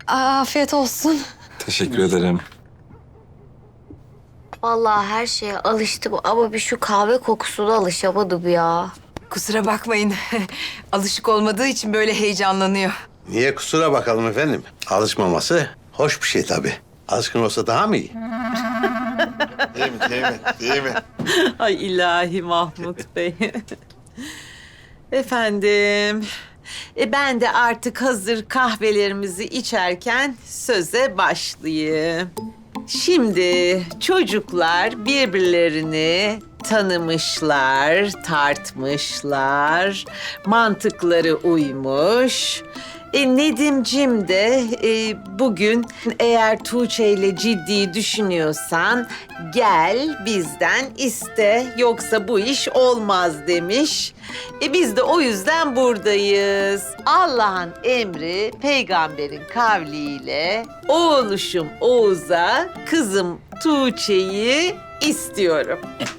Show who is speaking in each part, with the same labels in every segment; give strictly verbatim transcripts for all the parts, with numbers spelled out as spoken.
Speaker 1: Afiyet olsun.
Speaker 2: Teşekkür ederim.
Speaker 3: Vallahi her şeye alıştım ama bir şu kahve kokusuna alışamadım ya.
Speaker 4: Kusura bakmayın. Alışık olmadığı için böyle heyecanlanıyor.
Speaker 5: Niye kusura bakalım efendim? Alışmaması hoş bir şey tabii. Alışkın olsa daha mı iyi? Değil mi, değil mi, değil mi?
Speaker 6: Ay ilahi Mahmut Bey. Efendim, e ben de artık hazır kahvelerimizi içerken söze başlayayım. Şimdi çocuklar birbirlerini tanımışlar, tartmışlar, mantıkları uymuş. E, Nedimcim de e, bugün eğer Tuğçe ile ciddi düşünüyorsan gel bizden iste yoksa bu iş olmaz demiş. E, biz de o yüzden buradayız. Allah'ın emri peygamberin kavliyle oğluşum Oğuz'a kızım Tuğçe'yi istiyorum.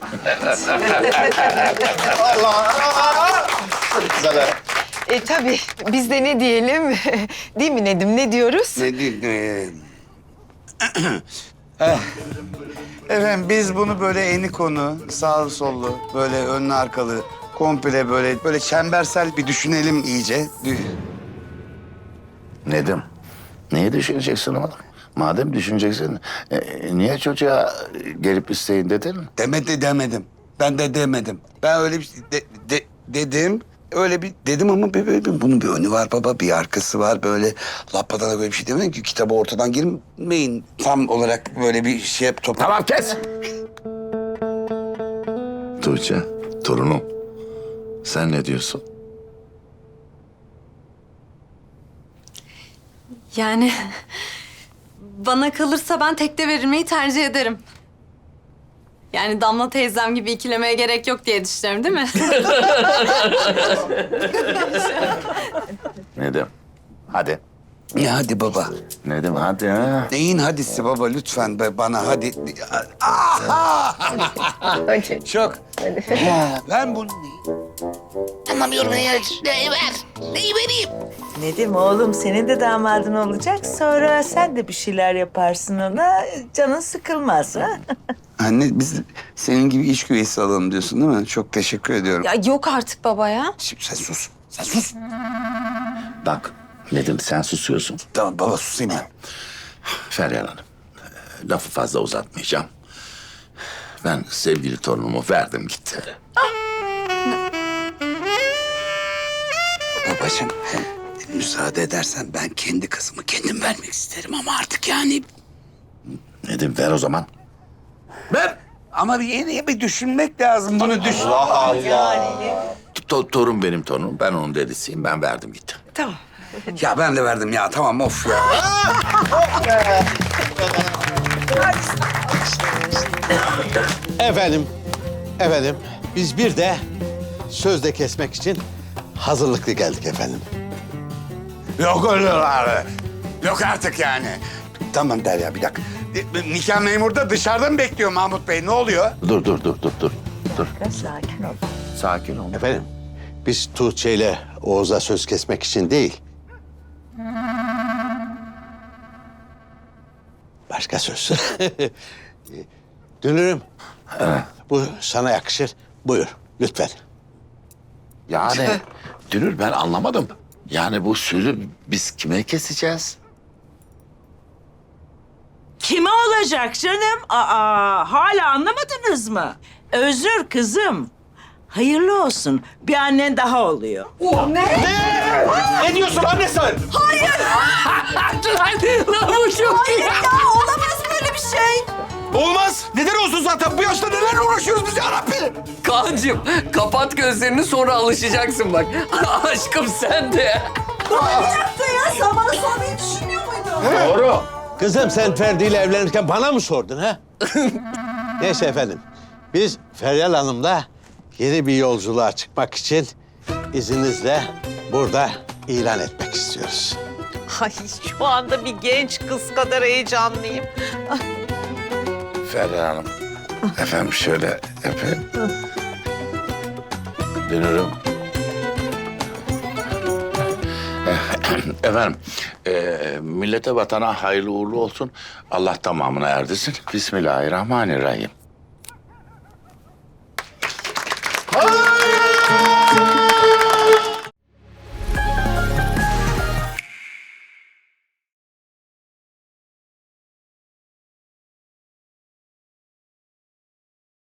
Speaker 4: E tabii biz de ne diyelim? Değil mi Nedim? Ne diyoruz?
Speaker 7: Ne diyeyim? Eh, Efendim biz bunu böyle eni konu, sağlı sollu, böyle önlü arkalı, komple böyle böyle çembersel bir düşünelim iyice. Dü-
Speaker 8: Nedim, neyi düşüneceksin oğlum? Madem düşüneceksin, e, niye çocuğa gelip isteyin dedin?
Speaker 7: Demedi demedim. Ben de demedim. Ben öyle bir şey de- de- dedim. Öyle bir dedim ama bir, bir, bir- bunun bir önü var baba, bir arkası var. Böyle lapadana böyle bir şey demedim ki kitabı ortadan girmeyin. Tam olarak böyle bir şey yap top.
Speaker 8: Tamam kes! Tuğçe, torunum, sen ne diyorsun?
Speaker 1: Yani bana kalırsa ben tekte verilmeyi tercih ederim. Yani Damla teyzem gibi ikilemeye gerek yok diye düşünüyorum değil mi?
Speaker 8: Nedim, hadi.
Speaker 7: Ya hadi baba.
Speaker 8: Nedim, hadi ha.
Speaker 7: Neyin hadisi baba lütfen be bana hadi. Aha! Çok. Ha, ben bunu
Speaker 9: Nedim oğlum senin de damadın olacak. Sonra sen de bir şeyler yaparsın ona. Canın sıkılmaz ha.
Speaker 7: Anne biz senin gibi iş güveysi alalım diyorsun değil mi? Çok teşekkür ediyorum.
Speaker 1: Ya yok artık baba ya.
Speaker 7: Şimdi sen sus. Sen sus.
Speaker 8: Bak, Nedim sen susuyorsun.
Speaker 7: Tamam baba susayım ben.
Speaker 8: Feryal Hanım, e, lafı fazla uzatmayacağım. Ben sevgili torunumu verdim gitti.
Speaker 7: Babacığım müsaade edersen ben kendi kızımı kendim vermek isterim ama artık yani...
Speaker 8: Nedim ver o zaman.
Speaker 7: Ver. Ama bir yeni bir düşünmek lazım bunu düşün.
Speaker 8: To- torun benim torunum, ben onun dedisiyim, ben verdim gitti.
Speaker 6: Tamam.
Speaker 7: Ya ben de verdim ya tamam of ya.
Speaker 5: Efendim, efendim biz bir de sözde kesmek için hazırlıklı geldik efendim.
Speaker 7: Yok öyle abi. Yok artık yani. Tamam Derya bir dakika. E, Nikah memuru da dışarıda mı bekliyor Mahmut Bey? Ne oluyor?
Speaker 8: Dur, dur, dur, dur, dur. Dur,
Speaker 9: Sakin ol.
Speaker 8: sakin ol.
Speaker 5: Efendim, biz Tuğçe ile Oğuz'a söz kesmek için değil. Başka söz. Dünürüm. Bu sana yakışır. Buyur, lütfen.
Speaker 8: Yani Dünür ben anlamadım. Yani bu sözü biz kime keseceğiz?
Speaker 9: Kime olacak canım? Aa, hala anlamadınız mı? Özür kızım. Hayırlı olsun. Bir annen daha oluyor.
Speaker 5: Ne diyorsun anne sen?
Speaker 4: Lan bu çok iyi.
Speaker 1: Olamaz böyle bir şey.
Speaker 5: Olmaz. Neden olsun zaten? Bu yaşta neler uğraşıyoruz biz ya Rabbi?
Speaker 2: Kaan'cığım kapat gözlerini sonra alışacaksın bak. Aşkım sen de.
Speaker 5: Doğru. Kızım sen Ferdi ile evlenirken bana mı sordun ha? Neyse efendim. Biz Feryal Hanım'la yeni bir yolculuğa çıkmak için izninizle burada ilan etmek istiyoruz.
Speaker 6: Ay şu anda bir genç kız kadar heyecanlıyım.
Speaker 8: Feryal Hanım, efendim şöyle yapayım. Dünürüm. Eh, Efendim, e, millete vatana hayırlı uğurlu olsun. Allah tamamına erdirsin. Bismillahirrahmanirrahim.